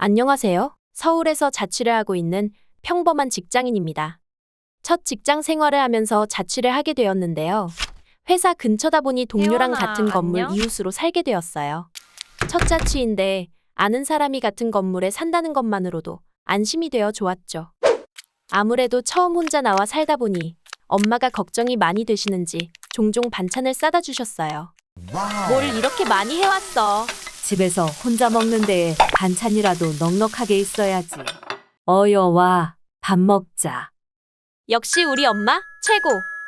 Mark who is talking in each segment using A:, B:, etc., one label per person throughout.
A: 안녕하세요. 서울에서 자취를 하고 있는 평범한 직장인입니다. 첫 직장 생활을 하면서 자취를 하게 되었는데요. 회사 근처다 보니 동료랑
B: 혜원아,
A: 같은 건물
B: 안녕?
A: 이웃으로 살게 되었어요. 첫 자취인데 아는 사람이 같은 건물에 산다는 것만으로도 안심이 되어 좋았죠. 아무래도 처음 혼자 나와 살다 보니 엄마가 걱정이 많이 되시는지 종종 반찬을 싸다 주셨어요. 뭘 이렇게 많이 해왔어?
C: 집에서 혼자 먹는데 반찬이라도 넉넉하게 있어야지. 어여 와, 밥 먹자.
A: 역시 우리 엄마 최고.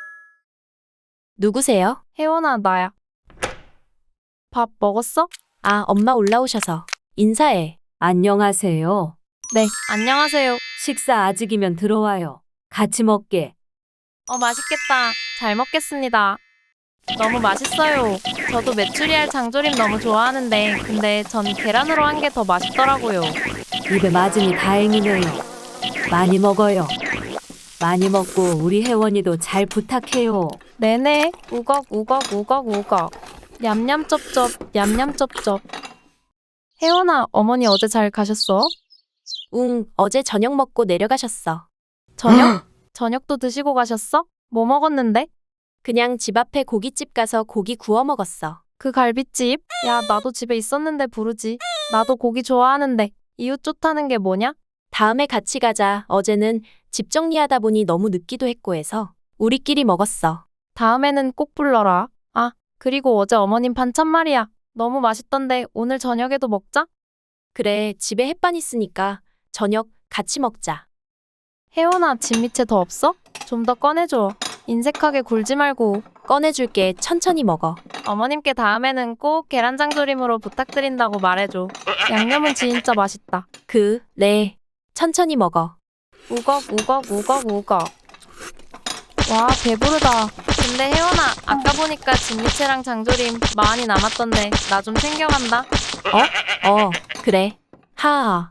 A: 누구세요?
B: 혜원아, 나야. 밥 먹었어?
A: 아, 엄마 올라오셔서 인사해.
C: 안녕하세요.
B: 네, 안녕하세요.
C: 식사 아직이면 들어와요. 같이 먹게.
B: 맛있겠다. 잘 먹겠습니다. 너무 맛있어요. 저도 메추리알 장조림 너무 좋아하는데, 근데 전 계란으로 한 게 더 맛있더라고요.
C: 입에 맞으니 다행이네요. 많이 먹어요. 많이 먹고 우리 혜원이도 잘 부탁해요.
B: 네네, 우걱, 우걱, 우걱, 우걱. 냠냠쩝쩝, 냠냠쩝쩝. 혜원아, 어머니 어제 잘 가셨어?
A: 어제 저녁 먹고 내려가셨어.
B: 저녁? 저녁도 드시고 가셨어? 뭐 먹었는데?
A: 그냥 집 앞에 고깃집 가서 고기 구워 먹었어.
B: 그 갈비집? 야, 나도 집에 있었는데 부르지. 나도 고기 좋아하는데. 이웃 좋다는 게 뭐냐?
A: 다음에 같이 가자. 어제는 집 정리하다 보니 너무 늦기도 했고 해서 우리끼리 먹었어.
B: 다음에는 꼭 불러라. 아, 그리고 어제 어머님 반찬 말이야. 너무 맛있던데 오늘 저녁에도 먹자?
A: 그래, 집에 햇반 있으니까 저녁 같이 먹자.
B: 혜원아, 집 밑에 더 없어? 좀 더 꺼내줘. 인색하게 굴지 말고.
A: 꺼내줄게. 천천히 먹어.
B: 어머님께 다음에는 꼭 계란장조림으로 부탁드린다고 말해줘. 양념은 진짜 맛있다.
A: 네. 천천히 먹어.
B: 우걱, 우걱, 우걱, 우걱. 와, 배부르다. 근데 혜원아, 아까 보니까 진미채랑 장조림 많이 남았던데 나 좀 챙겨간다.
A: 그래. 하하.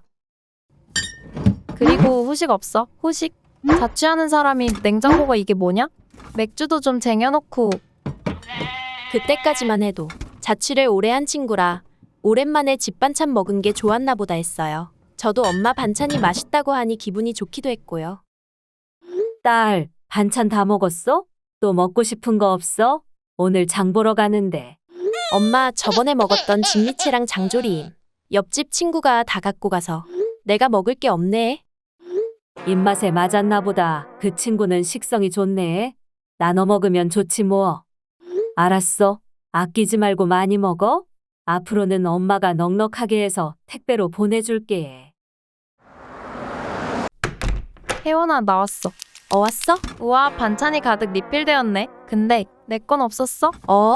B: 그리고 후식 없어? 후식? 자취하는 사람이 냉장고가 이게 뭐냐? 맥주도 좀 쟁여놓고.
A: 그때까지만 해도 자취를 오래 한 친구라 오랜만에 집 반찬 먹은 게 좋았나 보다 했어요. 저도 엄마 반찬이 맛있다고 하니 기분이 좋기도 했고요.
C: 딸, 반찬 다 먹었어? 또 먹고 싶은 거 없어? 오늘 장 보러 가는데.
A: 엄마 저번에 먹었던 진미채랑 장조림. 옆집 친구가 다 갖고 가서 내가 먹을 게 없네.
C: 입맛에 맞았나 보다. 그 친구는 식성이 좋네. 나눠 먹으면 좋지 뭐. 알았어. 아끼지 말고 많이 먹어. 앞으로는 엄마가 넉넉하게 해서 택배로 보내줄게.
B: 혜원아, 나왔어.
A: 왔어?
B: 우와, 반찬이 가득 리필되었네. 근데 내 건 없었어?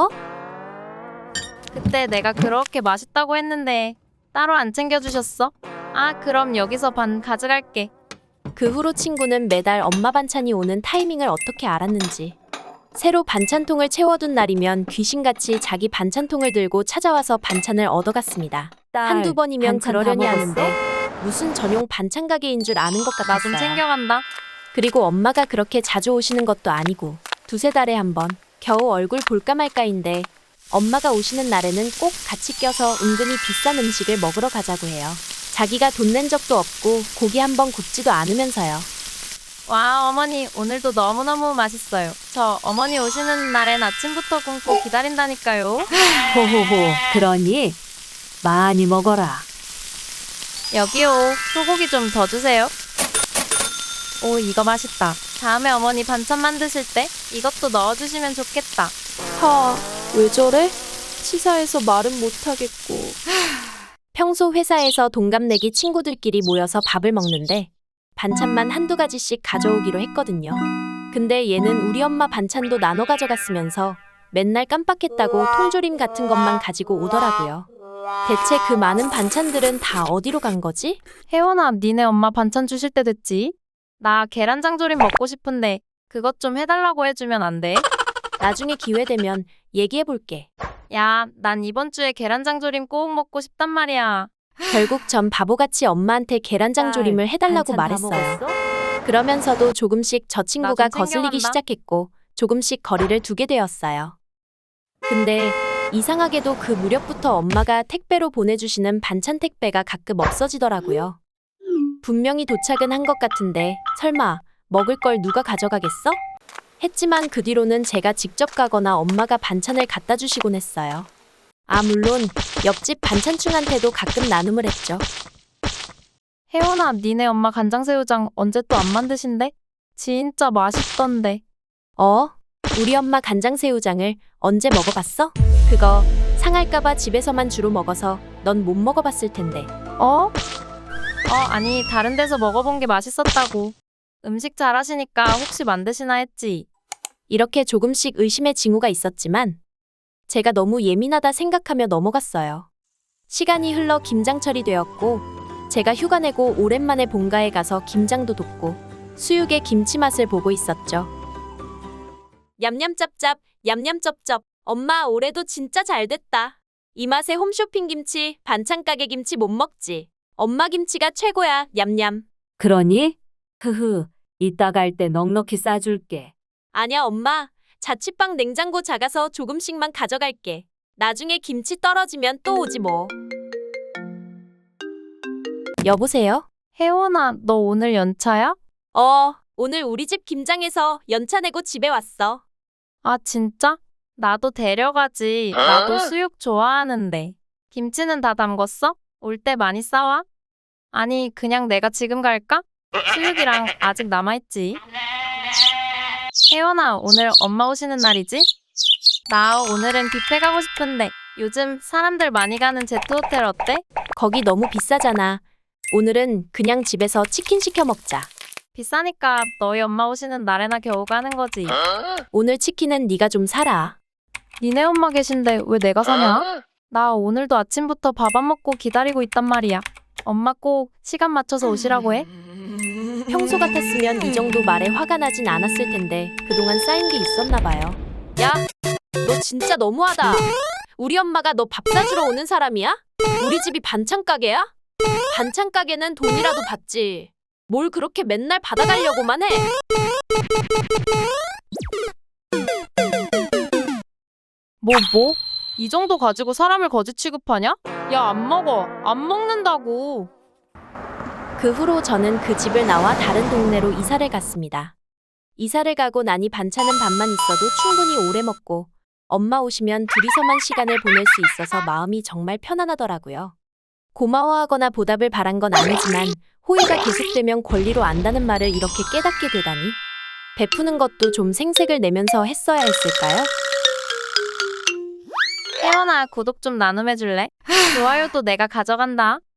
B: 그때 내가 그렇게 맛있다고 했는데 따로 안 챙겨주셨어? 아, 그럼 여기서 반 가져갈게.
A: 그 후로 친구는 매달 엄마 반찬이 오는 타이밍을 어떻게 알았는지 새로 반찬통을 채워둔 날이면 귀신같이 자기 반찬통을 들고 찾아와서 반찬을 얻어갔습니다.
C: 딸,
A: 한두 번이면
C: 반찬 다
A: 그러려니
C: 먹었어?
A: 하는데 무슨 전용 반찬 가게인 줄 아는 것
B: 나 좀
A: 같았어요.
B: 챙겨간다.
A: 그리고 엄마가 그렇게 자주 오시는 것도 아니고 두세 달에 한 번 겨우 얼굴 볼까 말까인데 엄마가 오시는 날에는 꼭 같이 껴서 은근히 비싼 음식을 먹으러 가자고 해요. 자기가 돈 낸 적도 없고 고기 한 번 굽지도 않으면서요.
B: 와, 어머니 오늘도 너무너무 맛있어요. 저 어머니 오시는 날엔 아침부터 굶고 기다린다니까요.
C: 호호호, 그러니 많이 먹어라.
B: 여기요. 소고기 좀 더 주세요. 오, 이거 맛있다. 다음에 어머니 반찬 만드실 때 이것도 넣어주시면 좋겠다.
A: 왜 저래? 치사해서 말은 못하겠고. 평소 회사에서 동갑내기 친구들끼리 모여서 밥을 먹는데 반찬만 한두 가지씩 가져오기로 했거든요. 근데 얘는 우리 엄마 반찬도 나눠 가져갔으면서 맨날 깜빡했다고 통조림 같은 것만 가지고 오더라고요. 대체 그 많은 반찬들은 다 어디로 간 거지?
B: 혜원아, 니네 엄마 반찬 주실 때 됐지? 나 계란장조림 먹고 싶은데 그것 좀 해달라고 해주면 안 돼?
A: 나중에 기회 되면 얘기해볼게.
B: 야, 난 이번 주에 계란장조림 꼭 먹고 싶단 말이야.
A: 결국 전 바보같이 엄마한테 계란장조림을 해달라고
C: 반찬 다
A: 말했어요.
C: 먹었어?
A: 그러면서도 조금씩 저 친구가
B: 나좀
A: 거슬리기
B: 챙겨간다.
A: 시작했고 조금씩 거리를 두게 되었어요. 근데 이상하게도 그 무렵부터 엄마가 택배로 보내주시는 반찬 택배가 가끔 없어지더라고요. 분명히 도착은 한 것 같은데 설마 먹을 걸 누가 가져가겠어? 했지만 그 뒤로는 제가 직접 가거나 엄마가 반찬을 갖다 주시곤 했어요. 아, 물론 옆집 반찬충한테도 가끔 나눔을 했죠.
B: 혜원아, 니네 엄마 간장새우장 언제 또 안 만드신대? 진짜 맛있던데.
A: 우리 엄마 간장새우장을 언제 먹어봤어? 그거 상할까봐 집에서만 주로 먹어서 넌 못 먹어봤을 텐데.
B: 아니, 다른 데서 먹어본 게 맛있었다고. 음식 잘하시니까 혹시 만드시나 했지.
A: 이렇게 조금씩 의심의 징후가 있었지만 제가 너무 예민하다 생각하며 넘어갔어요. 시간이 흘러 김장철이 되었고 제가 휴가 내고 오랜만에 본가에 가서 김장도 돕고 수육의 김치 맛을 보고 있었죠. 냠냠짭짭, 냠냠쩝쩝. 엄마 올해도 진짜 잘 됐다. 이 맛에 홈쇼핑 김치, 반찬 가게 김치 못 먹지. 엄마 김치가 최고야, 냠냠.
C: 그러니? 흐흐, 이따 갈 때 넉넉히 싸줄게.
A: 아냐, 엄마. 자취방 냉장고 작아서 조금씩만 가져갈게. 나중에 김치 떨어지면 또 오지 뭐. 여보세요?
B: 혜원아, 너 오늘 연차야?
A: 오늘 우리 집 김장해서 연차 내고 집에 왔어.
B: 아, 진짜? 나도 데려가지. 나도 수육 좋아하는데. 김치는 다 담궜어? 올 때 많이 싸와? 아니, 그냥 내가 지금 갈까? 수육이랑 아직 남아있지. 혜원아, 오늘 엄마 오시는 날이지? 나 오늘은 뷔페 가고 싶은데 요즘 사람들 많이 가는 제트호텔 어때?
A: 거기 너무 비싸잖아. 오늘은 그냥 집에서 치킨 시켜 먹자.
B: 비싸니까 너희 엄마 오시는 날에나 겨우 가는 거지.
A: 오늘 치킨은 네가 좀 사라.
B: 니네 엄마 계신데 왜 내가 사냐? 나 오늘도 아침부터 밥 안 먹고 기다리고 있단 말이야. 엄마 꼭 시간 맞춰서 오시라고 해.
A: 평소 같았으면 이 정도 말에 화가 나진 않았을 텐데 그동안 쌓인 게 있었나 봐요. 야, 너 진짜 너무하다. 우리 엄마가 너 밥 사주러 오는 사람이야? 우리 집이 반찬 가게야? 반찬 가게는 돈이라도 받지. 뭘 그렇게 맨날 받아가려고만 해?
B: 뭐? 이 정도 가지고 사람을 거지 취급하냐? 야, 안 먹어. 안 먹는다고.
A: 그 후로 저는 그 집을 나와 다른 동네로 이사를 갔습니다. 이사를 가고 나니 반찬은 밥만 있어도 충분히 오래 먹고 엄마 오시면 둘이서만 시간을 보낼 수 있어서 마음이 정말 편안하더라고요. 고마워하거나 보답을 바란 건 아니지만 호의가 계속되면 권리로 안다는 말을 이렇게 깨닫게 되다니 베푸는 것도 좀 생색을 내면서 했어야 했을까요?
B: 혜원아, 구독 좀 나눔해줄래? 좋아요도 내가 가져간다.